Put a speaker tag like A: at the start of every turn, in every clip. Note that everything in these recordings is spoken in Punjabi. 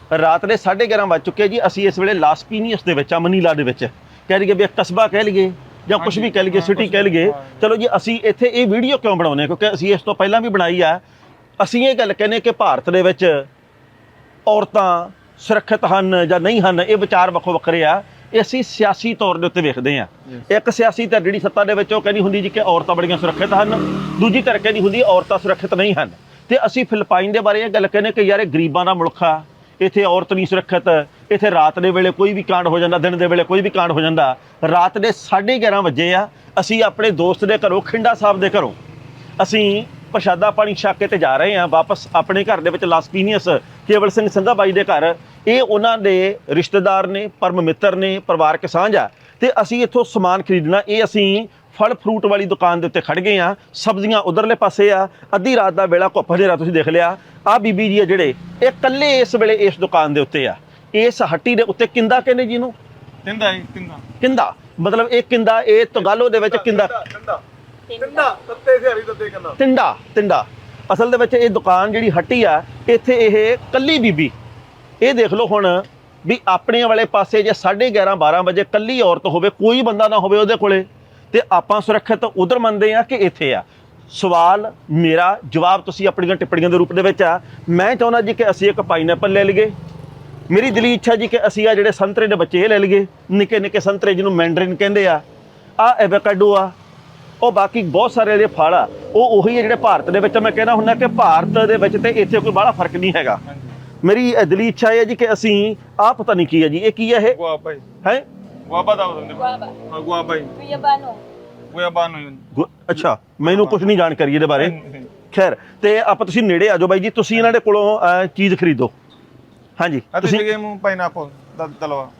A: ਰਾਤ ਦੇ 11:30 ਵੱਜ ਚੁੱਕੇ ਜੀ। ਅਸੀਂ ਇਸ ਵੇਲੇ ਲਾਸ ਪੀਨੀਅਸ ਦੇ ਵਿੱਚ ਆ, ਮਨੀਲਾ ਦੇ ਵਿੱਚ, ਕਹਿ ਲਈਏ ਵੀ ਕਸਬਾ ਕਹਿ ਲਈਏ ਜਾਂ ਕੁਝ ਵੀ ਕਹਿ ਲਈਏ, ਸਿਟੀ ਕਹਿ ਲਈਏ। ਚਲੋ ਜੀ, ਅਸੀਂ ਇੱਥੇ ਇਹ ਵੀਡੀਓ ਕਿਉਂ ਬਣਾਉਂਦੇ ਹਾਂ? ਕਿਉਂਕਿ ਅਸੀਂ ਇਸ ਤੋਂ ਪਹਿਲਾਂ ਵੀ ਬਣਾਈ ਆ। ਅਸੀਂ ਇਹ ਗੱਲ ਕਹਿੰਦੇ ਕਿ ਭਾਰਤ ਦੇ ਵਿੱਚ ਔਰਤਾਂ ਸੁਰੱਖਿਅਤ ਹਨ ਜਾਂ ਨਹੀਂ ਹਨ, ਇਹ ਵਿਚਾਰ ਵੱਖੋ ਵੱਖਰੇ ਆ। ਇਹ ਅਸੀਂ ਸਿਆਸੀ ਤੌਰ ਦੇ ਉੱਤੇ ਵੇਖਦੇ ਹਾਂ। ਇੱਕ ਸਿਆਸੀ ਧਿਰ ਜਿਹੜੀ ਸੱਤਾ ਦੇ ਵਿੱਚ ਉਹ ਕਹਿੰਦੀ ਹੁੰਦੀ ਜੀ ਕਿ ਔਰਤਾਂ ਬੜੀਆਂ ਸੁਰੱਖਿਅਤ ਹਨ, ਦੂਜੀ ਧਿਰ ਕਹਿੰਦੀ ਹੁੰਦੀ ਔਰਤਾਂ ਸੁਰੱਖਿਅਤ ਨਹੀਂ ਹਨ। ਤੇ ਅਸੀਂ ਫਿਲਪਾਈਨ ਦੇ ਬਾਰੇ ਇਹ ਗੱਲ ਕਹਿੰਦੇ ਕਿ ਯਾਰ ਇਹ ਗਰੀਬਾਂ ਦਾ ਮੁਲਕ ਆ, ਇੱਥੇ ਔਰਤ ਨਹੀਂ ਸੁਰੱਖਿਅਤ, ਇੱਥੇ ਰਾਤ ਦੇ ਵੇਲੇ ਕੋਈ ਵੀ ਕਾਂਡ ਹੋ ਜਾਂਦਾ, ਦਿਨ ਦੇ ਵੇਲੇ ਕੋਈ ਵੀ ਕਾਂਡ ਹੋ ਜਾਂਦਾ। ਰਾਤ ਦੇ 11:30 ਵਜੇ ਆ, ਅਸੀਂ ਆਪਣੇ ਦੋਸਤ ਦੇ ਘਰੋਂ, ਖਿੰਡਾ ਸਾਹਿਬ ਦੇ ਘਰੋਂ ਅਸੀਂ ਪ੍ਰਸ਼ਾਦਾ ਪਾਣੀ ਛਕ ਕੇ ਤੇ ਜਾ ਰਹੇ ਹਾਂ ਵਾਪਸ ਆਪਣੇ ਘਰ ਦੇ ਵਿੱਚ, ਲਾਸ ਪੀਨੀਅਸ ਕੇਵਲ ਸਿੰਘ ਸੰਘਾ ਬਾਈ ਦੇ ਘਰ। ਇਹ ਉਹਨਾਂ ਦੇ ਰਿਸ਼ਤੇਦਾਰ ਨੇ, ਪਰਮ ਮਿੱਤਰ ਨੇ, ਪਰਿਵਾਰਕ ਸਾਂਝ ਆ। ਤੇ ਅਸੀਂ ਇੱਥੋਂ ਸਮਾਨ ਖਰੀਦਣਾ। ਇਹ ਅਸੀਂ ਫਲ ਫਰੂਟ ਵਾਲੀ ਦੁਕਾਨ ਦੇ ਉੱਤੇ ਖੜ ਗਏ ਆ। ਸਬਜ਼ੀਆਂ ਉਧਰਲੇ ਪਾਸੇ ਆ। ਅੱਧੀ ਰਾਤ ਦਾ ਵੇਲਾ, ਘੁੱਪ ਹਨੇਰਾ ਤੁਸੀਂ ਦੇਖ ਲਿਆ। ਆ ਬੀਬੀ ਜੀ ਆ ਜਿਹੜੇ, ਇਹ ਇਕੱਲੇ ਇਸ ਵੇਲੇ ਇਸ ਦੁਕਾਨ ਦੇ ਉੱਤੇ ਆ। ਇਸ ਹੱਟੀ ਦੇ ਉੱਤੇ ਕਿੰਦਾ ਕਹਿੰਦੇ ਜੀ ਇਹਨੂੰ?
B: ਕਿੰਦਾ ਜੀ, ਕਿੰਦਾ।
A: ਕਿੰਦਾ ਮਤਲਬ ਇਹ ਕਿੰਦਾ, ਇਹ ਤਗਾਲੋ ਦੇ ਵਿੱਚ ਕਿੰਦਾ, ਤਿੰਡਾ ਅਸਲ ਦੇ ਵਿੱਚ। ਇਹ ਦੁਕਾਨ ਜਿਹੜੀ ਹੱਟੀ ਆ, ਇੱਥੇ ਇਹ ਕੱਲੀ ਬੀਬੀ, ਇਹ ਦੇਖ ਲਓ ਹੁਣ ਵੀ ਆਪਣੇ ਵਾਲੇ ਪਾਸੇ ਜੇ 11:30 12 ਵਜੇ ਕੱਲੀ ਔਰਤ ਹੋਵੇ, ਕੋਈ ਬੰਦਾ ਨਾ ਹੋਵੇ ਉਹਦੇ ਕੋਲੇ, ਤੇ ਆਪਾਂ ਸੁਰੱਖਿਅਤ ਉਧਰ ਮੰਨਦੇ ਆ ਕਿ ਇੱਥੇ ਆ? ਸਵਾਲ ਮੇਰਾ, ਜਵਾਬ ਤੁਸੀਂ ਆਪਣੀਆਂ ਟਿੱਪਣੀਆਂ ਦੇ ਰੂਪ ਦੇ ਵਿੱਚ ਆ। ਮੈਂ ਚਾਹੁੰਦਾ ਜੀ ਕਿ ਅਸੀਂ ਇੱਕ ਪਾਈਨਐਪਲ ਲੈ ਲਈਏ। ਮੇਰੀ ਦਿਲੀ ਇੱਛਾ ਜੀ ਕਿ ਅਸੀਂ ਆ ਜਿਹੜੇ ਸੰਤਰੇ ਦੇ ਬੱਚੇ ਇਹ ਲੈ ਲਈਏ, ਨਿੱਕੇ ਨਿੱਕੇ ਸੰਤਰੇ ਜਿਹਨੂੰ ਮੈਂਡਰਿਨ ਕਹਿੰਦੇ ਆ। ਆ ਐਵੋਕਾਡੋ ਆ, ਉਹ ਬਾਕੀ ਬਹੁਤ ਸਾਰੇ ਜਿਹੜੇ ਫਲ ਆ ਉਹ ਉਹੀ ਹੈ ਜਿਹੜੇ ਭਾਰਤ ਦੇ ਵਿੱਚ। ਮੈਂ ਕਹਿੰਦਾ ਹੁੰਦਾ ਕਿ ਭਾਰਤ ਦੇ ਵਿੱਚ ਤੇ ਇੱਥੇ ਕੋਈ ਬੜਾ ਫਰਕ ਨਹੀਂ ਹੈਗਾ। ਮੇਰੀ ਦਿਲੀ ਇੱਛਾ ਇਹ ਹੈ ਜੀ ਕਿ ਅਸੀਂ ਆਹ ਪਤਾ ਨਹੀਂ ਕੀ ਹੈ ਜੀ, ਇਹ ਕੀ ਹੈ? ਇਹ
B: ਗੁਆਬਾ ਜੀ
A: ਹੈ?
B: ਗੁਆਬਾ ਦਾ ਹੁੰਦਾ।
C: Guava.
B: ਗੁਆਬਾ ਜੀ,
C: Guyabano.
B: ਗੁਆਬਾਨੋ।
A: ਅੱਛਾ, ਮੈਨੂੰ ਕੁਝ ਨਹੀਂ ਜਾਣਕਾਰੀ ਇਹਦੇ ਬਾਰੇ। ਖੈਰ, ਤੇ ਆਪਾਂ ਤੁਸੀਂ ਨੇੜੇ ਆ ਜਾਓ ਬਾਈ ਜੀ, ਤੁਸੀਂ ਇਹਨਾਂ ਦੇ ਕੋਲੋਂ ਚੀਜ਼ ਖਰੀਦੋ। ਹਾਂਜੀ,
B: ਤੁਸੀਂ ਗੇਮ ਪਾਈਨਐਪਲ ਦਾ ਦਲਵਾ।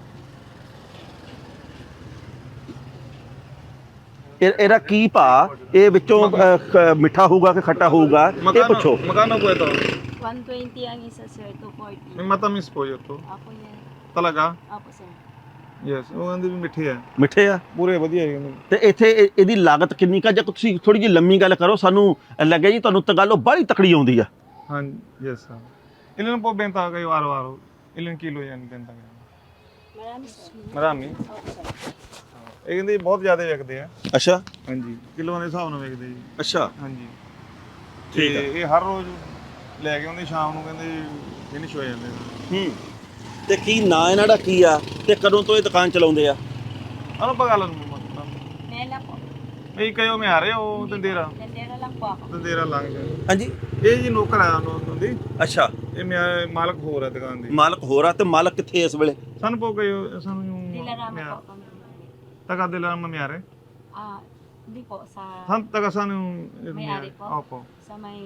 A: ਇਹਦਾ ਕੀ ਭਾ? ਇਹ ਵਿੱਚੋਂ ਮਿੱਠਾ ਹੋਊਗਾ ਕਿ ਖੱਟਾ ਹੋਊਗਾ, ਇਹ ਪੁੱਛੋ।
B: Magkano po ito?
C: 120 ang isa, sir. 240.
B: May matamis po ito.
C: Apo yan.
B: Talaga?
C: Apo, sir.
B: Yes, ਉਹ ਕਹਿੰਦੇ ਵੀ ਮਿੱਠੇ ਆ,
A: ਮਿੱਠੇ ਆ
B: ਪੂਰੇ ਵਧੀਆ ਹੈ।
A: ਤੇ ਇੱਥੇ ਇਹਦੀ ਲਾਗਤ ਕਿੰਨੀ ਕਾ? ਜੇ ਤੁਸੀਂ ਥੋੜੀ ਜਿਹੀ ਲੰਮੀ ਗੱਲ ਕਰੋ, ਸਾਨੂੰ ਲੱਗਿਆ ਜੀ ਤੁਹਾਨੂੰ ਤਗਾਲੋ ਬਾਹਲੀ ਤਕੜੀ ਆਉਂਦੀ ਆ।
B: ਹਾਂ, yes sir. Ilan po benta kayo araw-araw? Ilan kilo yan benta kayo?
C: Marami, sir.
B: Marami?
C: Opo, sir.
B: ਇਹ ਕਹਿੰਦੇ ਬਹੁਤ ਜ਼ਿਆਦਾ ਵਿਕਦੇ ਆ।
A: ਅੱਛਾ
B: ਹਾਂਜੀ, ਕਿਲੋਆਂ ਦੇ ਹਿਸਾਬ ਨਾਲ ਵਿਕਦੇ ਜੀ।
A: ਅੱਛਾ,
B: ਹਾਂਜੀ,
A: ਠੀਕ ਆ।
B: ਤੇ ਇਹ ਹਰ ਰੋਜ਼ ਲੈ ਕੇ ਆਉਂਦੇ, ਸ਼ਾਮ ਨੂੰ ਕਹਿੰਦੇ ਫਿਨਿਸ਼ ਹੋ ਜਾਂਦੇ।
A: ਤੇ ਕੀ ਨਾਂ ਇਹਨਾਂ ਦਾ ਕੀ ਆ ਤੇ ਕਦੋਂ ਤੋਂ ਇਹ ਦੁਕਾਨ ਚਲਾਉਂਦੇ ਆ?
B: ano pangalan mo?
C: Mela po.
B: May kayo may-ari o tindera?
C: Tendera lang po ako.
B: Tindera lang siya।
A: ਹਾਂਜੀ,
B: ਇਹ ਜੀ ਨੌਕਰ ਆ ਉਹਨਾਂ ਦੀ।
A: ਅੱਛਾ,
B: ਇਹ ਮਾਲਕ ਹੋਰ ਹੈ ਦੁਕਾਨ ਦੀ।
A: ਮਾਲਕ ਹੋਰ ਆ ਤੇ ਮਾਲਕ ਕਿੱਥੇ ਇਸ ਵੇਲੇ?
B: ਸਾਨੂੰ po kayo, ਸਾਨੂੰ yung
C: Dilarama po kami.
B: taga Dilarama may-ari?
C: Ah, hindi po.
B: Taga saan yung
C: May-ari po?
B: Opo.
C: Sa may,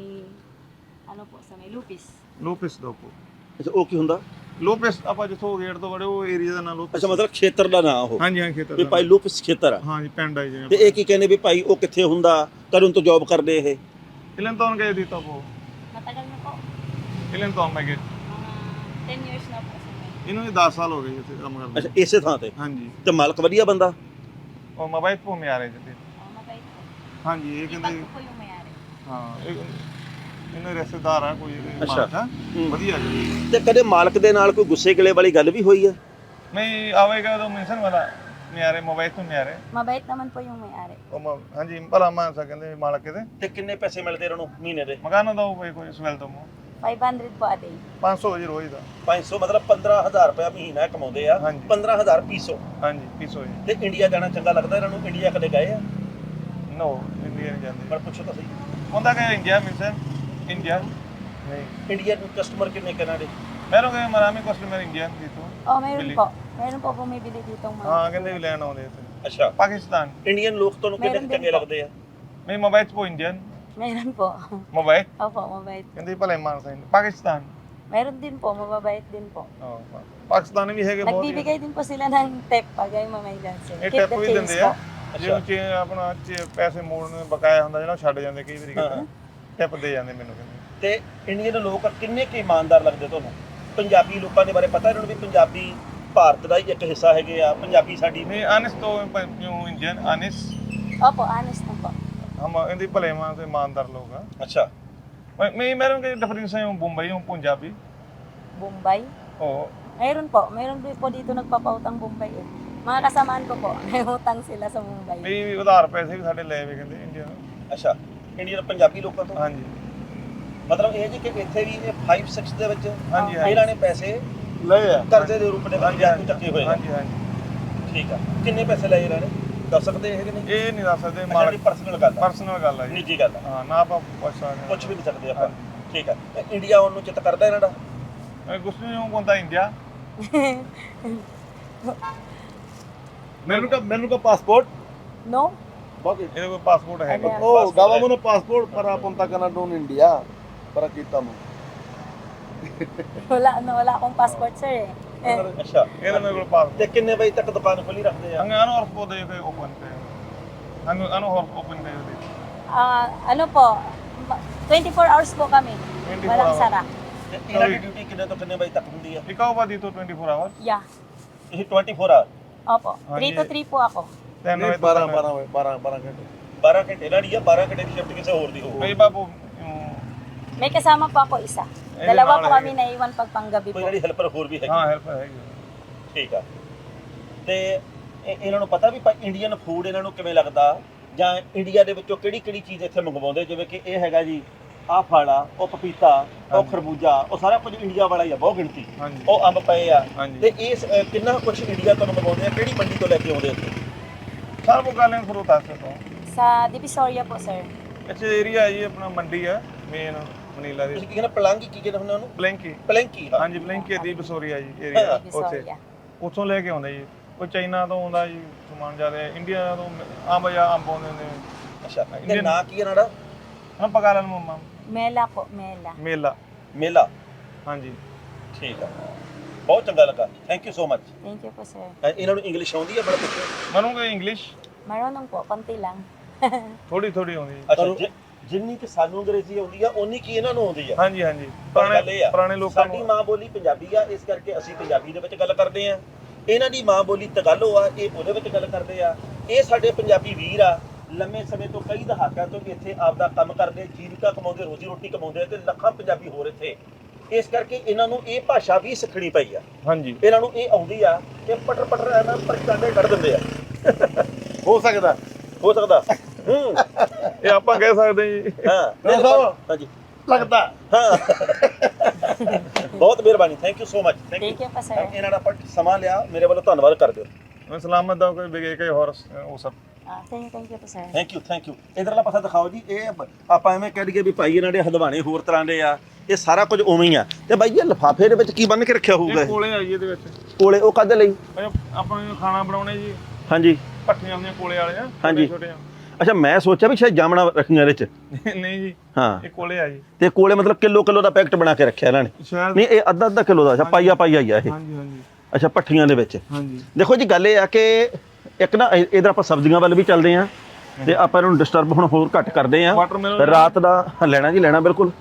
C: ano po, sa may Lupis.
B: Lopez daw po।
A: ਅੱਛਾ, ਉਹ ਕੀ ਹੁੰਦਾ?
B: ਲੋਪਸ ਆਪਾਂ ਜਿੱਥੋਂ ਗੇਟ ਤੋਂ ਵੜੇ ਉਹ ਏਰੀਆ ਦਾ ਨਾਮ ਲੋਪਸ।
A: ਅੱਛਾ, ਮਤਲਬ ਖੇਤਰ ਦਾ ਨਾਂ ਉਹ?
B: ਹਾਂਜੀ ਹਾਂ, ਖੇਤਰ
A: ਵੀ
B: ਦਾ।
A: ਭਾਈ ਲੂਪਸ ਖੇਤਰ ਆ।
B: ਹਾਂਜੀ, ਪਿੰਡ ਆ ਜੀ।
A: ਤੇ ਇਹ ਕੀ ਕਹਿੰਦੇ ਵੀ ਭਾਈ ਉਹ ਕਿੱਥੇ ਹੁੰਦਾ, ਕਦੋਂ ਤੋਂ ਜੌਬ ਕਰਦੇ ਇਹ?
B: Ilan taon kayo dito po?
C: Matagal na po.
B: Ilan taon may gate?
C: Mga 10 years na po sa may.
B: ਇਹਨੂੰ ਵੀ 10 ਸਾਲ ਹੋ ਗਏ ਇੱਥੇ ਕੰਮ ਕਰਦੇ।
A: ਅੱਛਾ, ਇਸੇ ਥਾਂ ਤੇ?
B: ਹਾਂਜੀ,
A: ਤੇ ਮਾਲਕ ਵਧੀਆ ਬੰਦਾ?
B: ਉਹ mobile po may-ari dito।
C: Mabait po.
B: ਹਾਂਜੀ, ਇਹ
C: Ibang
B: ਕਹਿੰਦੇ
C: ko po yung may-ari.
B: ਹਾਂ, ਇਹਨਾਂ ਰਿਸ਼ਤੇਦਾਰ ਆ ਕੋਈ ਇਹਦੇ
A: ਅੱਛਾ।
B: ਮਾਲਕ ਆ। ਵਧੀਆ ਜੀ।
A: ਤੇ ਕਦੇ ਮਾਲਕ ਦੇ ਨਾਲ ਕੋਈ ਗੁੱਸੇ ਗਿਲੇ ਵਾਲੀ ਗੱਲ ਵੀ ਹੋਈ ਆ?
B: May away ka daw minsan wala? May-ari, mobile po may-ari?
C: Mabait naman po yung may-ari.
B: ਹਾਂਜੀ, ਭਲਾਮਾਨ sa ਕਹਿੰਦੇ ਮਾਲਕ ਇਹਦੇ।
A: ਤੇ ਕਿੰਨੇ ਪੈਸੇ ਮਿਲਦੇ ਇਹਨਾਂ ਨੂੰ ਮਹੀਨੇ ਦੇ?
B: Magkano daw ਕੋਈ ਸਵੈਲdo mo?
C: 500 po a day.
B: 500 ਜੀ ਰੋਜ਼ ਦਾ।
A: 500 ਮਤਲਬ 15000 ਰੁਪਏ ਮਹੀਨਾ ਕਮਾਉਂਦੇ ਆ।
B: ਹਾਂਜੀ।
A: 15000 ਪੀਸੋ।
B: ਹਾਂਜੀ, 300 ਜੀ।
A: ਤੇ ਇੰਡੀਆ ਜਾਣਾ ਚੰਗਾ ਲੱਗਦਾ ਇਹਨਾਂ ਨੂੰ? ਇੰਡੀਆ ਕਦੇ ਗਏ ਆ?
B: ਨੋ, ਇੰਡੀਆ ਨਹੀਂ ਜਾਂਦੇ।
A: ਪਰ ਪੁੱਛੋ ਤਾਂ ਸਹੀ,
B: ਹੁੰਦਾ ਕਿ ਇੰਡੀਆ ਮਿਲਸਨ? ਇੰਡੀਆ ਨਹੀਂ।
A: ਇੰਡੀਆ ਨੂੰ ਕਸਟਮਰ ਕਿੰਨੇ ਕਿਹਨਾਂ ਦੇ?
B: meron kayo maraming customer Indian dito?
C: Oh, meron
B: Bili.
C: po. Meron po bumibili ditong mga.
B: ਹਾਂ, ਕਹਿੰਦੇ ਵੀ ਲੈਣ ਆਉਂਦੇ ਇੱਥੇ।
A: ਅੱਛਾ,
B: ਪਾਕਿਸਤਾਨ
A: ਇੰਡੀਅਨ ਲੋਕ ਤੁਹਾਨੂੰ ਕਿੰਨੇ
C: Meron din
A: ਚੰਗੇ
C: po.
A: ਲੱਗਦੇ ਆ?
B: may mabait po Indian?
C: Meron po.
B: Mabait?
C: Opo, mabait.
B: Hindi pala yung mga sa India. Pakistan?
C: Meron din po, mababait din po.
B: Oh, Pakistan ਵੀ ਹੈਗੇ ਬਹੁਤ।
C: Nagbibigay din po sila ng tip pag ay mamaydan sila.
B: ਇਹ
C: Keep
B: ਟੈਪ
C: the
B: ਵੀ
C: change
B: ਦਿੰਦੇ
C: po.
B: ਆ। ਜਿਉਂ ਚ ਆਪਣਾ ਪੈਸੇ ਮੋੜਨ ਬਕਾਇਆ ਹੁੰਦਾ ਜਿਹੜਾ ਉਹ ਛੱਡ ਜਾਂਦੇ ਕਈ ਵਾਰੀ ਕਿਤੇ। ਟਿਪ ਦੇ ਜਾਂਦੇ ਮੈਨੂੰ ਕਹਿੰਦੇ।
A: ਤੇ ਇੰਡੀਅਨ ਲੋਕ ਕਿੰਨੇ ਕੁ ਇਮਾਨਦਾਰ ਲੱਗਦੇ ਤੁਹਾਨੂੰ? ਪੰਜਾਬੀ ਲੋਕਾਂ ਦੇ ਬਾਰੇ ਪਤਾ ਇਹਨਾਂ ਨੂੰ ਵੀ ਪੰਜਾਬੀ ਭਾਰਤ ਦਾ ਹੀ ਇੱਕ ਹਿੱਸਾ ਹੈਗੇ ਆ, ਪੰਜਾਬੀ ਸਾਡੀ?
B: ਨਹੀਂ, honest ਤੋਂ yung Indian, honest।
C: Opo, honest na po.
B: hindi pala yung mga imaandar ਲੋਕ ਆ।
A: ਅੱਛਾ,
B: May meron kayo difference yung Bombay, yung Punjabi?
C: Bombay.
B: Oo.
C: Mayroon din po dito nagpapautang Bombay eh. Mga kasamaan ko po, may utang sila sa Mumbai.
B: ਵੀ ਉਧਾਰ ਪੈਸੇ ਵੀ ਸਾਡੇ ਲਏ ਵੇ ਕਹਿੰਦੇ ਇੰਡੀਆ ਤੋਂ।
A: ਅੱਛਾ ਇੰਡੀਅਨ ਪੰਜਾਬੀ ਲੋਕਾਂ ਤੋਂ
B: ਹਾਂਜੀ
A: ਮਤਲਬ ਇਹ ਜੀ ਕਿ ਇੱਥੇ ਵੀ ਇਹ 5 6 ਦੇ ਵਿੱਚ
B: ਹਾਂਜੀ, ਹਾਂਜੀ।
A: ਇਹਨਾਂ ਨੇ ਪੈਸੇ
B: ਲਏ ਆ
A: ਕਰਜ਼ੇ ਦੇ ਰੂਪ ਦੇ ਵਿੱਚ
B: ਹਾਂਜੀ,
A: ਬੈਂਕ ਤੋਂ ਚੱਕੇ ਹੋਏ ਆ
B: ਹਾਂਜੀ ਹਾਂਜੀ
A: ਠੀਕ ਆ ਕਿੰਨੇ ਪੈਸੇ ਲਏ ਇਹਨਾਂ ਨੇ ਦੱਸ ਸਕਦੇ ਇਹ ਕਿ ਨਹੀਂ
B: ਇਹ ਨਹੀਂ ਦੱਸ ਸਕਦੇ
A: ਮਾੜੀ ਪਰਸਨਲ ਗੱਲ ਆ
B: ਪਰਸਨਲ ਗੱਲ ਆ ਜੀ
A: ਨਿੱਜੀ ਗੱਲ ਆ
B: ਹਾਂ ਨਾ ਆਪਾਂ ਪੁੱਛ ਸਕਦੇ
A: ਪੁੱਛ ਵੀ ਨਹੀਂ ਸਕਦੇ ਆਪਾਂ ਠੀਕ ਆ ਤੇ ਇੰਡੀਆ ਆਉਣ ਨੂੰ ਚਿੱਤ ਕਰਦਾ ਇਹਨਾਂ ਦਾ
B: ਕੁਛ ਨਹੀਂ ਹੁੰਦਾ India
D: Meron ka passport?
C: No?
D: Bakit?
B: ਇਹਦੇ ਕੋਲ ਪਾਸਪੋਰਟ ਹੈ
C: Ano?
D: Oh, gawa mo ng passport para punta ka na doon India. Para kita mo.
C: Wala akong passport sir eh.
A: ਅੱਛਾ
B: ਇਹਦੇ ਮੇਰੇ ਕੋਲ ਪਾਸਪੋਰਟ
A: ਤੇ ਕਿੰਨੇ ਵਜੇ ਤੱਕ ਦੁਕਾਨ ਖੁੱਲੀ ਰੱਖਦੇ ਆ
B: ang ano oras po tayo kayo open kayo ano oras open kayo dito
C: Ano po, 24 hours po kami.
B: 24
C: Walang
B: hours.
C: sara.
A: ਤੇ ਇਹਨਾਂ ਦੀ ਡਿਊਟੀ ਕਿੰਨੇ ਤੋਂ ਕਿੰਨੇ ਵਜੇ ਤੱਕ ਹੁੰਦੀ ਆ
B: ikaw ba dito 24 hours
C: Yeah.
A: ਇਹ 24 hour
C: Opo. 3 to 3 po ako.
B: 10
D: Hindi, parang ganito.
A: 12 ਘੰਟੇ ਲੜੀ ਆ 12 ਘੰਟੇ ਦੀ ਸ਼ਿਫਟ ਕਿਸੇ ਹੋਰ ਦੀ ਹੋਊ
B: may iba po yung
C: May kasama po ako isa. Dalawa po kami naiwan pag panggabi
A: ਕੋਈ
C: po.
A: ਜਿਹੜੀ ਹੈਲਪਰ ਹੋਰ ਵੀ ਹੈਗੀ
B: ਹਾਂ ਹੈਲਪ ਹੈਗੀ
A: ਠੀਕ ਆ ਤੇ ਇਹਨਾਂ ਨੂੰ ਪਤਾ ਵੀ ਇੰਡੀਅਨ ਫੂਡ ਇਹਨਾਂ ਨੂੰ ਕਿਵੇਂ ਲੱਗਦਾ ਜਾਂ ਇੰਡੀਆ ਦੇ ਵਿੱਚੋਂ ਕਿਹੜੀ ਕਿਹੜੀ ਚੀਜ਼ ਇੱਥੇ ਮੰਗਵਾਉਂਦੇ ਜਿਵੇਂ ਕਿ ਇਹ ਹੈਗਾ ਜੀ ਆਹ ਫਲ ਆ ਉਹ ਪਪੀਤਾ ਉਹ ਖਰਬੂਜਾ ਉਹ ਸਾਰਾ ਕੁਝ ਇੰਡੀਆ ਵਾਲਾ ਹੀ ਆ ਬਹੁਤ ਗਿਣਤੀ
B: ਹਾਂਜੀ
A: ਉਹ ਅੰਬ ਪਏ ਆ
B: ਹਾਂਜੀ
A: ਤੇ ਇਸ ਕਿੰਨਾ ਕੁਝ ਇੰਡੀਆ ਤੋਂ ਮੰਗਵਾਉਂਦੇ ਆ ਕਿਹੜੀ ਮੰਡੀ ਤੋਂ ਲੈ ਕੇ ਆਉਂਦੇ ਇੱਥੇ
B: ਸਾਰਾ ਕੋ ਗਾਲਾਂ ਫਰੂਟਾਂ ਤੋਂ
C: Sa Divisoria po sir.
B: ਅੱਛਾ ਏਰੀਆ ਹੈ ਜੀ ਆਪਣਾ ਮੰਡੀ ਹੈ ਮੇਨ ਮਨੀਲਾ ਦੀ
A: ਤੁਸੀਂ ਕੀ ਕਹਿੰਦੇ ਪਲਾਂਗੀ ਕੀ ਕਹਿੰਦੇ ਹੁੰਦੇ ਉਹਨੂੰ
B: ਬਲੈਂਕੀ
A: ਪਲੈਂਕੀ ਹਾਂ
B: ਹਾਂਜੀ ਬਲੈਂਕੀ ਦੀ ਬਸੋਰੀਆ ਜੀ ਏਰੀਆ ਉੱਥੇ
C: Divisoria.
B: ਉੱਥੋਂ ਲੈ ਕੇ ਆਉਂਦੇ ਜੀ ਕੋਈ ਚਾਈਨਾ ਤੋਂ ਆਉਂਦਾ ਜੀ ਸਮਾਨ ਜ਼ਿਆਦਾ ਇੰਡੀਆ ਤੋਂ ਅੰਬ ਆਉਂਦੇ ਨੇ
A: ਅੱਛਾ ਤੇ ਨਾਂ ਕੀ ਇਹਨਾਂ ਦਾ
B: ਹਮ ਪਕਾ ਲੈਣ ਮੰਮਾ
C: Mela po, Mela.
B: ਮੇਲਾ
A: ਮੇਲਾ
B: ਹਾਂਜੀ
A: ਠੀਕ ਆ ਬਹੁਤ ਚੰਗਾ ਲੱਗਾ thank you so much
C: Thank you po sir.
A: ਇਹਨਾਂ ਨੂੰ ਇੰਗਲਿਸ਼ ਆਉਂਦੀ ਹੈ ਬੜਾ ਪੁੱਛੋ
B: ਮੈਨੂੰ ਕੋਈ English
C: Marunong po, konti lang.
B: ਥੋੜੀ ਥੋੜੀ ਆਉਂਦੀ ਜੀ
A: ਅੱਛਾ ਜਿੰਨੀ ਕਿ ਸਾਨੂੰ ਅੰਗਰੇਜ਼ੀ ਆਉਂਦੀ ਆ ਉਨੀ ਕੀ ਇਹਨਾਂ ਨੂੰ ਆਉਂਦੀ ਆ
B: ਹਾਂਜੀ ਹਾਂਜੀ
A: ਪਰ ਗੱਲ ਇਹ ਆ,
B: ਪੁਰਾਣੇ ਲੋਕਾਂ
A: ਸਾਡੀ
B: ਨੂੰ
A: ਮਾਂ ਬੋਲੀ ਪੰਜਾਬੀ ਆ ਇਸ ਕਰਕੇ ਅਸੀਂ ਪੰਜਾਬੀ ਦੇ ਵਿੱਚ ਗੱਲ ਕਰਦੇ ਆ ਇਹਨਾਂ ਦੀ ਮਾਂ ਬੋਲੀ ਤਗਾਲੋ ਆ ਇਹ ਉਹਦੇ ਵਿੱਚ ਗੱਲ ਕਰਦੇ ਆ ਇਹ ਸਾਡੇ ਪੰਜਾਬੀ ਵੀਰ ਆ ਲੰਮੇ ਸਮੇਂ ਤੋਂ ਕਈ ਦਹਾਕਿਆਂ ਤੋਂ ਇੱਥੇ ਆਪਦਾ ਕੰਮ ਕਰਦੇ ਜੀਵਿਕਾ ਕਮਾਉਂਦੇ ਰੋਜ਼ੀ ਰੋਟੀ ਕਮਾਉਂਦੇ ਤੇ ਲੱਖਾਂ ਪੰਜਾਬੀ ਹੋਰ ਇੱਥੇ ਇਸ ਕਰਕੇ ਇਹਨਾਂ ਨੂੰ ਇਹ ਭਾਸ਼ਾ ਵੀ ਸਿੱਖਣੀ ਪਈ ਆ
B: ਹਾਂਜੀ
A: ਇਹਨਾਂ ਨੂੰ ਇਹ ਆਉਂਦੀ ਆ ਕਿ ਪਟਰ ਪਟਰ ਇਹਨਾਂ ਪਰਚਾਂਡੇ ਕੱਢ ਦਿੰਦੇ ਆ
D: Ho sakda.
A: ਹੋ ਸਕਦਾ
B: ਇਹ ਆਪਾਂ ਕਹਿ ਸਕਦੇ ਜੀ
A: ਹਾਂ ਹਾਂਜੀ
D: Lagda.
A: ਹਾਂ ਬਹੁਤ ਮਿਹਰਬਾਨੀ thank you so much thank
C: Thank
A: you
C: you po sir.
A: ਇਹਨਾਂ ਦਾ ਆਪਾਂ ਸਮਾਂ ਲਿਆ ਮੇਰੇ ਵੱਲੋਂ ਧੰਨਵਾਦ ਕਰ ਦਿਓ
B: ਮੈਂ ਸਲਾਮਤ ਦਾ ਕੋਈ ਬਿਗੇ ਕੋਈ ਹੋਰ ਉਹ ਸਭ
C: Thank you po sir.
A: Thank you ਇਧਰਲਾ ਪਾਸਾ ਦਿਖਾਓ ਜੀ ਇਹ ਆਪਾਂ ਐਵੇਂ ਕਹਿ ਦਈਏ ਵੀ ਭਾਈ ਇਹਨਾਂ ਦੇ ਹਲਵਾਣੇ ਹੋਰ ਤਰ੍ਹਾਂ ਦੇ ਆ ਇਹ ਸਾਰਾ ਕੁਝ ਉਵੇਂ ਹੀ ਆ ਤੇ ਬਾਈ ਇਹ ਲਿਫਾਫੇ ਦੇ ਵਿੱਚ ਕੀ ਬੰਨ ਕੇ ਰੱਖਿਆ ਹੋਊਗਾ
B: ਇਹ ਕੋਲੇ ਆ ਜੀ ਇਹਦੇ ਵਿੱਚ
A: ਕੋਲੇ ਉਹ ਕਾਹਦੇ ਲਈ
B: ਆਪਾਂ ਨੂੰ ਖਾਣਾ ਬਣਾਉਣੇ ਜੀ
A: ਹਾਂਜੀ
B: ਭੱਠੀਆਂ ਹੁੰਦੀਆਂ ਕੋਲੇ ਵਾਲੇ ਆ
A: ਹਾਂਜੀ।
B: ਛੋਟੇ
A: ਅੱਛਾ ਮੈਂ ਸੋਚਿਆ ਵੀ ਸ਼ਾਇਦ ਜਾਮਣਾ ਰੱਖੀਆਂ ਇਹਦੇ ਚ
B: ਨਹੀਂ ਜੀ
A: ਹਾਂ
B: ਇਹ ਕੋਲੇ ਆ ਜੀ
A: ਤੇ ਕੋਲੇ ਮਤਲਬ ਕਿਲੋ ਦਾ ਪੈਕਟ ਬਣਾ ਕੇ ਰੱਖਿਆ ਇਹਨਾਂ ਨੇ
B: ਸ਼ਾਇਦ
A: ਨਹੀਂ ਇਹ ਅੱਧਾ ਕਿਲੋ ਦਾ ਅੱਛਾ ਪਾਈਆ ਹੀ ਆ ਇਹ
B: ਹਾਂਜੀ ਹਾਂਜੀ
A: ਅੱਛਾ ਭੱਠੀਆਂ ਦੇ ਵਿੱਚ
B: ਹਾਂਜੀ
A: ਦੇਖੋ ਜੀ ਗੱਲ ਇਹ ਆ ਕਿ ਇੱਕ ਨਾ ਇਧਰ ਆਪਾਂ ਸਬਜ਼ੀਆਂ ਵੱਲ ਵੀ ਚੱਲਦੇ ਆ ਤੇ ਆਪਾਂ ਇਹਨੂੰ ਡਿਸਟਰਬ ਹੁਣ ਹੋਰ ਘੱਟ ਕਰਦੇ ਆ
B: ਵਾਟਰਮੈਲਨ
A: ਰਾਤ ਦਾ ਲੈਣਾ ਜੀ ਲੈਣਾ ਬਿਲਕੁਲ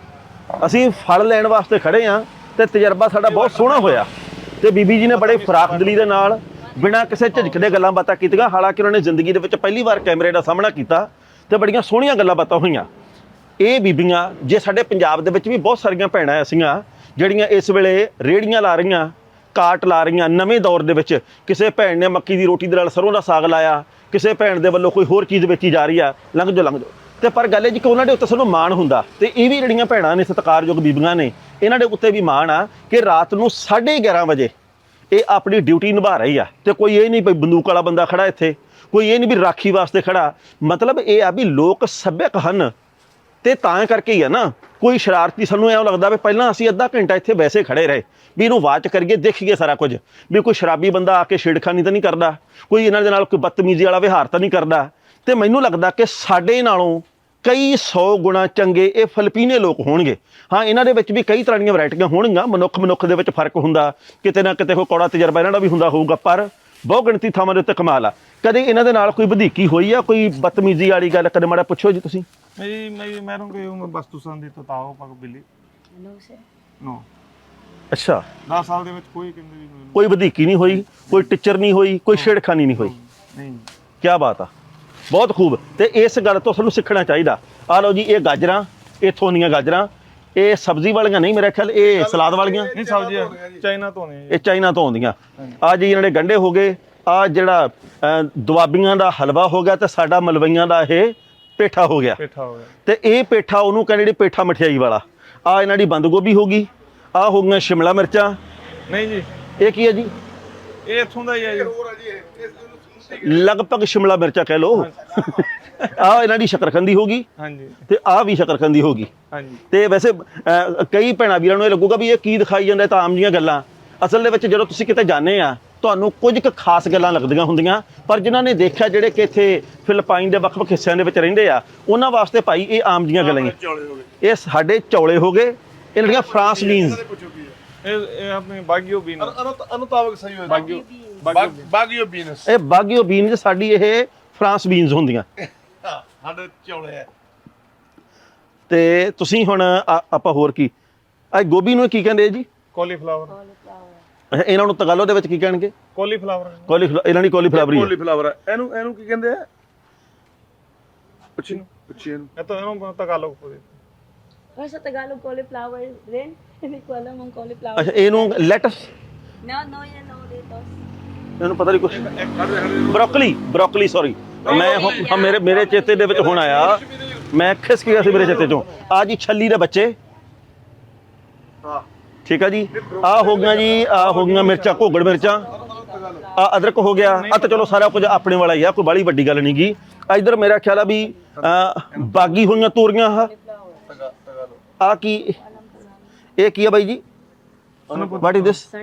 A: ਅਸੀਂ ਫਲ ਲੈਣ ਵਾਸਤੇ ਖੜੇ ਆ ਤੇ ਤਜਰਬਾ ਸਾਡਾ ਬਹੁਤ ਸੋਹਣਾ ਹੋਇਆ ਤੇ ਬੀਬੀ ਜੀ ਨੇ ਬੜੇ ਫਰਾਖਦਲੀ ਦੇ ਨਾਲ ਬਿਨਾਂ ਕਿਸੇ ਝਿਜਕ ਦੇ ਗੱਲਾਂ ਬਾਤਾਂ ਕੀਤੀਆਂ ਹਾਲਾਂਕਿ ਉਹਨਾਂ ਨੇ ਜ਼ਿੰਦਗੀ ਦੇ ਵਿੱਚ ਪਹਿਲੀ ਵਾਰ ਕੈਮਰੇ ਦਾ ਸਾਹਮਣਾ ਕੀਤਾ ਤੇ ਬੜੀਆਂ ਸੋਹਣੀਆਂ ਗੱਲਾਂ ਬਾਤਾਂ ਹੋਈਆਂ ਇਹ ਬੀਬੀਆਂ ਜੇ ਸਾਡੇ ਪੰਜਾਬ ਦੇ ਵਿੱਚ ਵੀ ਬਹੁਤ ਸਾਰੀਆਂ ਭੈਣਾਂ ਐਸੀਆਂ ਜਿਹੜੀਆਂ ਇਸ ਵੇਲੇ ਰੇੜੀਆਂ ਲਾ ਰਹੀਆਂ ਕਾਟ ਲਾ ਰਹੀਆਂ ਨਵੇਂ ਦੌਰ ਦੇ ਵਿੱਚ ਕਿਸੇ ਭੈਣ ਨੇ ਮੱਕੀ ਦੀ ਰੋਟੀ ਦੇ ਨਾਲ ਸਰੋਂ ਦਾ ਸਾਗ ਲਾਇਆ ਕਿਸੇ ਭੈਣ ਦੇ ਵੱਲੋਂ ਕੋਈ ਹੋਰ ਚੀਜ਼ ਵੇਚੀ ਜਾ ਰਹੀ ਆ ਲੰਘ ਜਾਓ ਤੇ ਪਰ ਗੱਲ ਇਹ ਜੀ ਕਿ ਉਹਨਾਂ ਦੇ ਉੱਤੇ ਸਾਨੂੰ ਮਾਣ ਹੁੰਦਾ ਤੇ ਇਹ ਵੀ ਜਿਹੜੀਆਂ ਭੈਣਾਂ ਨੇ ਸਤਿਕਾਰਯੋਗ ਬੀਬੀਆਂ ਨੇ ਇਹਨਾਂ ਦੇ ਉੱਤੇ ਵੀ ਮਾਣ ਆ ਕਿ ਰਾਤ ਨੂੰ 11:30 ਵਜੇ ਇਹ ਆਪਣੀ ਡਿਊਟੀ ਨਿਭਾ ਰਹੀ ਆ ਤੇ ਕੋਈ ਇਹ ਨਹੀਂ ਵੀ ਬੰਦੂਕ ਵਾਲਾ ਬੰਦਾ ਖੜਾ ਇੱਥੇ ਕੋਈ ਇਹ ਨਹੀਂ ਵੀ ਰਾਖੀ ਵਾਸਤੇ ਖੜਾ ਮਤਲਬ ਇਹ ਆ ਵੀ ਲੋਕ ਸੱਭਿਅਕ ਹਨ ਤੇ ਤਾਂ ਕਰਕੇ ਹੀ ਆ ਨਾ ਕੋਈ ਸ਼ਰਾਰਤੀ ਸਾਨੂੰ ਐਂ ਲੱਗਦਾ ਵੀ ਪਹਿਲਾਂ ਅਸੀਂ ਅੱਧਾ ਘੰਟਾ ਇੱਥੇ ਵੈਸੇ ਖੜੇ ਰਹੇ ਵੀ ਇਹਨੂੰ ਵਾਚ ਕਰੀਏ ਦੇਖੀਏ ਸਾਰਾ ਕੁਝ ਵੀ ਕੋਈ ਸ਼ਰਾਬੀ ਬੰਦਾ ਆ ਕੇ ਛੇੜਖਾਨੀ ਤਾਂ ਨਹੀਂ ਕਰਦਾ ਕੋਈ ਇਹਨਾਂ ਦੇ ਨਾਲ ਕੋਈ ਬਦਤਮੀਜ਼ੀ ਵਾਲਾ ਵਿਹਾਰ ਤਾਂ ਨਹੀਂ ਕਰਦਾ ਤੇ ਮੈਨੂੰ ਲੱਗਦਾ ਕਿ ਸਾਡੇ ਨਾਲੋਂ ਕਈ 100 ਗੁਣਾ ਚੰਗੇ ਇਹ ਫਿਲੀਪੀਨੇ ਲੋਕ ਹੋਣਗੇ ਹਾਂ ਇਹਨਾਂ ਦੇ ਵਿੱਚ ਵੀ ਕਈ ਤਰ੍ਹਾਂ ਦੀਆਂ ਵੈਰਾਈਟੀਆਂ ਹੋਣਗੀਆਂ ਮਨੁੱਖ ਦੇ ਵਿੱਚ ਫਰਕ ਹੁੰਦਾ ਕਿਤੇ ਨਾ ਕਿਤੇ ਕੋਈ ਕੌੜਾ ਤਜਰਬਾ ਇਹਨਾਂ ਦਾ ਵੀ ਹੁੰਦਾ ਹੋਊਗਾ ਪਰ ਬਹੁਤ ਗਿਣਤੀ ਥਾਵਾਂ ਦੇ ਉੱਤੇ ਕਮਾਲ ਆ ਕਦੇ ਇਹਨਾਂ ਦੇ ਨਾਲ ਕੋਈ ਵਧੀਕੀ ਹੋਈ ਆ ਕੋਈ ਬਦਤਮੀਜ਼ੀ ਵਾਲੀ ਗੱਲ ਕਦੇ ਮਾੜਾ ਪੁੱਛੋ ਜੀ ਤੁਸੀਂ
B: मैं रहूँगा हूँ वस्तु संधि तो ताओ पक बिल्ली
C: No sir.
B: नो
A: ਅੱਛਾ
B: 10 ਸਾਲ ਦੇ ਵਿੱਚ ਕੋਈ ਕਹਿੰਦੇ ਵੀ ਮੈਨੂੰ
A: ਕੋਈ ਵਧੀਕੀ ਨਹੀਂ ਹੋਈ ਕੋਈ ਟੀਚਰ ਨਹੀਂ ਹੋਈ ਕੋਈ ਛੇੜਖਾਨੀ ਨਹੀਂ ਹੋਈ
B: ਨਹੀਂ
A: ਕੀ ਬਾਤ ਆ ਬਹੁਤ ਖੂਬ ਤੇ ਇਸ ਗੱਲ ਤੋਂ ਸਾਨੂੰ ਸਿੱਖਣਾ ਚਾਹੀਦਾ ਆ ਲਓ ਜੀ ਇਹ ਗਾਜਰਾਂ ਇੱਥੋਂ ਦੀਆਂ ਗਾਜਰਾਂ ਇਹ ਸਬਜ਼ੀ ਵਾਲੀਆਂ ਨਹੀਂ, ਮੇਰੇ ਖਿਆਲ ਇਹ ਸਲਾਦ ਵਾਲੀਆਂ,
B: ਨਹੀਂ ਸਬਜ਼ੀ ਚਾਈਨਾ ਤੋਂ ਨੇ
A: ਇਹ ਚਾਈਨਾ ਤੋਂ ਆਉਂਦੀਆਂ। ਆ ਜੀ ਇਹਨਾਂ ਦੇ ਗੰਢੇ ਹੋ ਗਏ, ਆ ਜਿਹੜਾ ਦੁਆਬੀਆਂ ਦਾ ਹਲਵਾ ਹੋ ਗਿਆ, ਤੇ ਸਾਡਾ ਮਲਵਈਆਂ ਦਾ ਇਹ ਪੇਠਾ ਹੋ ਗਿਆ।
B: ਪੇਠਾ ਹੋ ਗਿਆ।
A: ਤੇ ਇਹ ਪੇਠਾ ਉਹਨੂੰ ਕਹਿੰਦੇ ਜਿਹੜੀ ਪੇਠਾ ਮਠਿਆਈ ਵਾਲਾ। ਆ ਇਹਨਾਂ ਦੀ ਬੰਦ ਗੋਭੀ ਹੋ ਗਈ, ਆ ਹੋ ਗਈਆਂ ਸ਼ਿਮਲਾ ਮਿਰਚਾਂ।
B: ਨਹੀਂ ਜੀ
A: ਇਹ ਕੀ ਹੈ ਜੀ?
B: ਇਹ ਇੱਥੋਂ ਦਾ ਹੀ ਹੈ ਜੀ।
A: ਲਗਭਗ ਸ਼ਿਮਲਾ ਮਿਰਚਾਂ ਕਹਿ ਲਓ। ਆ ਇਹਨਾਂ ਦੀ ਸ਼ਕਰਕੰਦੀ ਹੋ ਗਈ,
B: ਹਾਂਜੀ
A: ਤੇ ਆ ਵੀ ਸ਼ਕਰਕੰਦੀ ਹੋ ਗਈ।
B: ਹਾਂਜੀ।
A: ਤੇ ਵੈਸੇ ਕਈ ਭੈਣਾਂ ਵੀਰਾਂ ਨੂੰ ਇਹ ਲੱਗੂਗਾ ਵੀ ਇਹ ਕੀ ਦਿਖਾਈ ਜਾਂਦਾ, ਤਾਂ ਆਮ ਜੀਆਂ ਗੱਲਾਂ। ਅਸਲ ਦੇ ਵਿੱਚ ਜਦੋਂ ਤੁਸੀਂ ਕਿਤੇ ਜਾਂਦੇ ਆ, ਤੁਹਾਨੂੰ ਕੁਝ ਕੁ ਖਾਸ ਗੱਲਾਂ ਲੱਗਦੀਆਂ ਹੁੰਦੀਆਂ, ਪਰ ਜਿਨ੍ਹਾਂ ਨੇ ਦੇਖਿਆ, ਜਿਹੜੇ ਕਿ ਇੱਥੇ ਫਿਲਪਾਈਨ ਦੇ ਵੱਖ-ਵੱਖ ਹਿੱਸਿਆਂ ਦੇ ਵਿੱਚ ਰਹਿੰਦੇ ਆ, ਉਹਨਾਂ ਵਾਸਤੇ ਭਾਈ ਇਹ ਆਮ ਜੀਆਂ ਗੱਲਾਂ ਹੀ। ਇਹ ਸਾਡੇ ਚੌਲੇ ਹੋ ਗਏ, ਇਹਨਾਂ ਦੀਆਂ ਫਰਾਂਸ ਬੀਨਸ।
B: ਇਹ ਆਪਣੇ ਬਾਗੀਓ ਬੀਨ
D: ਅਨੁਤਾਵਕ ਸਹੀ ਹੋਇਆ
B: ਬਾਗੀਓ
D: ਬਾਗੀਓ ਬੀਨਸ
A: ਇਹ ਬਾਗੀਓ ਬੀਨਸ, ਸਾਡੀ ਇਹ ਫਰਾਂਸ ਬੀਨਸ ਹੁੰਦੀਆਂ।
D: ਸਾਡੇ ਚੌਲੇ ਹੈ।
A: ਤੇ ਤੁਸੀਂ ਹੁਣ ਆਪਾਂ ਹੋਰ ਕੀ, ਆ ਗੋਭੀ ਨੂੰ ਕੀ ਕਹਿੰਦੇ ਆ ਜੀ?
B: ਕੋਲੀਫਲਾਵਰ।
A: ਅੱਛਾ, ਇਹਨਾਂ ਨੂੰ ਤਗਾਲੋ ਦੇ ਵਿੱਚ ਕੀ ਕਹਿਣਗੇ?
B: ਕੋਲੀਫਲਾਵਰ।
A: ਇਹਨਾਂ ਦੀ ਕੋਲੀਫਲਾਵਰ ਹੀ ਹੈ।
D: ਕੋਲੀਫਲਾਵਰ ਹੈ। ਇਹਨੂੰ ਕੀ ਕਹਿੰਦੇ ਆ? ਪੁੱਛੀ ਇਹਨੂੰ।
B: ਇਹ ਤਾਂ ਇਹਨੂੰ ਤਗਾਲੋ ਬੋਲਦੇ।
C: Sa Tagalog, cauliflower rin. Hindi ko alam ang cauliflower.
A: ਅੱਛਾ, ਇਹਨੂੰ lettuce,
C: No, yan, no, dito.
A: ਇਹਨੂੰ ਪਤਾ ਨਹੀਂ ਕੁਛ। ਬਰੋਕਲੀ ਸੌਰੀ, ਮੈਂ ਮੇਰੇ ਚੇਤੇ ਦੇ ਵਿੱਚ ਹੁਣ ਆਇਆ, ਮੈਂ ਖਿਸਕ ਗਿਆ ਸੀ ਮੇਰੇ ਚੇਤੇ ਚੋਂ। ਆ ਜੀ ਛੱਲੀ ਦੇ ਬੱਚੇ।
D: ਹਾਂ
A: ਠੀਕ ਆ ਜੀ। ਆ ਹੋ ਗਈਆਂ ਜੀ, ਆ ਹੋ ਗਈਆਂ ਮਿਰਚਾਂ, ਘੋਗੜ ਮਿਰਚਾਂ। ਆ ਅਦਰਕ ਹੋ ਗਿਆ। ਆ ਤਾਂ ਚਲੋ ਸਾਰਾ ਕੁਝ ਆਪਣੇ ਵਾਲਾ ਹੀ ਆ, ਕੋਈ ਬਾਹਲੀ ਵੱਡੀ ਗੱਲ ਨਹੀਂ ਗੀ। ਇਧਰ ਮੇਰਾ ਖਿਆਲ ਆ ਵੀ ਬਾਗੀ ਹੋਈਆਂ ਤੋਰੀਆਂ। ਆ ਕੀ, ਇਹ ਕੀ ਆ ਬਾਈ ਜੀ? What is this?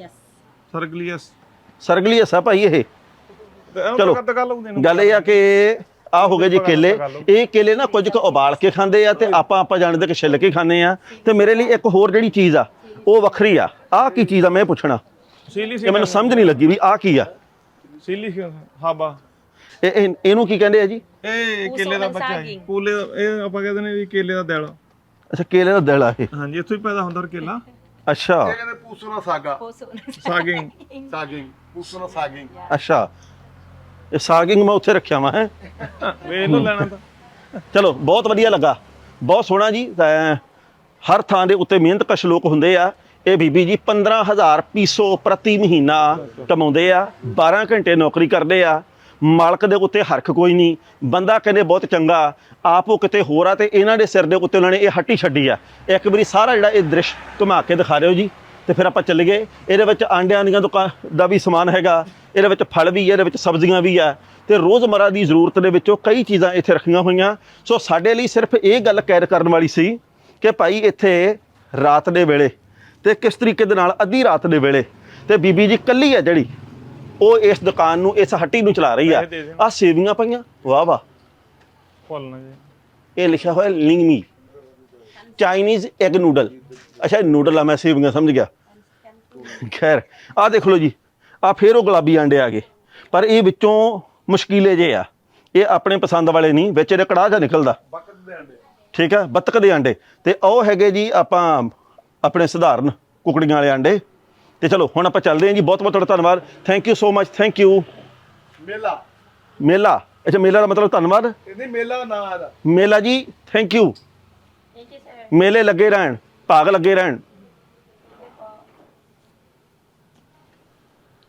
A: ਸਰਗਲੀਅਸ ਆ ਭਾਈ ਇਹ। ਚਲੋ ਗੱਲ ਇਹ ਆ ਕਿ ਆ ਹੋ ਗਏ ਜੀ ਕੇਲੇ। ਇਹ ਕੇਲੇ ਨਾ ਕੁਝ ਕੁ ਉਬਾਲ ਕੇ ਖਾਂਦੇ ਆ, ਤੇ ਆਪਾਂ ਜਾਣਦੇ ਕਿ ਛਿੱਲ ਕੇ ਖਾਂਦੇ ਆ। ਤੇ ਮੇਰੇ ਲਈ ਇੱਕ ਹੋਰ ਜਿਹੜੀ ਚੀਜ਼ ਆ ਉਹ ਵੱਖਰੀ ਆ। ਆ ਕੀ ਚੀਜ਼ ਆ ਮੈਂ ਪੁੱਛਣਾ, ਇਹ ਮੈਨੂੰ ਸਮਝ ਨਹੀਂ ਲੱਗੀ ਵੀ ਆ ਕੀ ਆ।
B: ਹਾਬਾ।
A: ਇਹਨੂੰ ਕੀ ਕਹਿੰਦੇ ਆ ਜੀ?
B: ਇਹ ਕੇਲੇ ਦਾ ਬੱਚਾ ਹੈ। ਕੂਲੇ, ਇਹ ਆਪਾਂ ਕਹਿੰਦੇ ਨੇ ਵੀ ਕੇਲੇ ਦਾ ਦਿਲ।
A: ਅੱਛਾ, ਕੇਲੇ ਦਾ ਦਿਲ ਆ ਇਹ।
B: ਹਾਂਜੀ, ਇੱਥੋਂ ਹੀ ਪੈਦਾ ਹੁੰਦਾ ਕੇਲਾ।
A: ਅੱਛਾ,
D: ਇਹ ਕਹਿੰਦੇ ਪੂਸਣਾ ਸਾਗਾ।
B: ਸਾਗਿੰਗ।
D: ਪੂਸਣਾ ਸਾਗਿੰਗ।
A: ਅੱਛਾ, ਇਹ ਸਾਗਿੰਗ ਮੈਂ ਉੱਥੇ ਰੱਖਿਆ ਵਾ ਹੈ।
B: ਵੇਖ ਲੋ ਲੈਣਾ ਤਾਂ।
A: ਚਲੋ, ਬਹੁਤ ਵਧੀਆ ਲੱਗਾ, ਬਹੁਤ ਸੋਹਣਾ ਜੀ। ਹਰ ਥਾਂ ਦੇ ਉੱਤੇ ਮਿਹਨਤਕਸ਼ ਲੋਕ ਹੁੰਦੇ ਆ। ਇਹ ਬੀਬੀ ਜੀ 15,000 ਪੀਸੋ ਪ੍ਰਤੀ ਮਹੀਨਾ ਕਮਾਉਂਦੇ ਆ, 12 ਘੰਟੇ ਨੌਕਰੀ ਕਰਦੇ ਆ। ਮਾਲਕ ਦੇ ਉੱਤੇ ਹਰਖ ਕੋਈ ਨਹੀਂ, ਬੰਦਾ ਕਹਿੰਦੇ ਬਹੁਤ ਚੰਗਾ, ਆਪ ਉਹ ਕਿਤੇ ਹੋਰ ਆ, ਤੇ ਇਹਨਾਂ ਦੇ ਸਿਰ ਦੇ ਉੱਤੇ ਉਹਨਾਂ ਨੇ ਇਹ ਹੱਟੀ ਛੱਡੀ ਆ। ਇੱਕ ਵਾਰੀ ਸਾਰਾ ਜਿਹੜਾ ਇਹ ਦ੍ਰਿਸ਼ ਘੁਮਾ ਕੇ ਦਿਖਾ ਦਿਓ ਜੀ, ਤੇ ਫਿਰ ਆਪਾਂ ਚੱਲ ਗਏ। ਇਹਦੇ ਵਿੱਚ ਆਂਡਿਆਂ ਦੀਆਂ ਦੁਕਾਨ ਦਾ ਵੀ ਸਮਾਨ ਹੈਗਾ, ਇਹਦੇ ਵਿੱਚ ਫਲ ਵੀ ਹੈ, ਇਹਦੇ ਵਿੱਚ ਸਬਜ਼ੀਆਂ ਵੀ ਆ, ਤੇ ਰੋਜ਼ਮਰਾ ਦੀ ਜ਼ਰੂਰਤ ਦੇ ਵਿੱਚੋਂ ਕਈ ਚੀਜ਼ਾਂ ਇੱਥੇ ਰੱਖੀਆਂ ਹੋਈਆਂ। ਸੋ ਸਾਡੇ ਲਈ ਸਿਰਫ ਇਹ ਗੱਲ ਕੈਦ ਕਰਨ ਵਾਲੀ ਸੀ ਕਿ ਭਾਈ ਇੱਥੇ ਰਾਤ ਦੇ ਵੇਲੇ, ਤੇ ਕਿਸ ਤਰੀਕੇ ਦੇ ਨਾਲ ਅੱਧੀ ਰਾਤ ਦੇ ਵੇਲੇ, ਤੇ ਬੀਬੀ ਜੀ ਇਕੱਲੀ ਹੈ ਜਿਹੜੀ ਉਹ ਇਸ ਦੁਕਾਨ ਨੂੰ, ਇਸ ਹੱਟੀ ਨੂੰ ਚਲਾ ਰਹੀ ਆ। ਆ ਸੇਵੀਆਂ ਪਈਆਂ, ਵਾਹ ਵਾਹ। ਇਹ ਲਿਖਿਆ ਹੋਇਆ ਲਿੰਗਮੀ ਚਾਈਨੀਜ਼ ਐਗ ਨੂਡਲ। ਅੱਛਾ, ਨੂਡਲ ਆ, ਮੈਂ ਸੇਵੀਆਂ ਸਮਝ ਗਿਆ। ਖੈਰ, ਆ ਦੇਖ ਲਓ ਜੀ, ਆ ਫੇਰ ਉਹ ਗੁਲਾਬੀ ਆਂਡੇ ਆ ਗਏ, ਪਰ ਇਹ ਵਿੱਚੋਂ ਮੁਸ਼ਕਿਲੇ ਜੇ ਆ। ਇਹ ਆਪਣੇ ਪਸੰਦ ਵਾਲੇ ਨਹੀਂ, ਵਿੱਚ ਇਹਦੇ ਕੜਾਹ ਜਿਹਾ ਨਿਕਲਦਾ। ਠੀਕ ਆ, ਬੱਤਕ ਦੇ ਆਂਡੇ। ਤੇ ਉਹ ਹੈਗੇ ਜੀ ਆਪਾਂ ਆਪਣੇ ਸਧਾਰਨ ਕੁਕੜੀਆਂ ਵਾਲੇ ਆਂਡੇ। ਤੇ ਚਲੋ ਹੁਣ ਆਪਾਂ ਚੱਲਦੇ ਹਾਂ ਜੀ। ਬਹੁਤ ਬਹੁਤ ਤੁਹਾਡਾ ਧੰਨਵਾਦ। Thank you so much. Thank you. ਮੇਲਾ। ਅੱਛਾ, ਮੇਲਾ ਦਾ ਮਤਲਬ ਧੰਨਵਾਦ।
D: ਨਹੀਂ, ਮੇਲਾ ਨਾ ਆਦਾ।
A: ਮੇਲਾ ਜੀ, ਥੈਂਕ ਯੂ। ਮੇਲੇ ਲੱਗੇ ਰਹਿਣ, ਭਾਗ ਲੱਗੇ ਰਹਿਣ।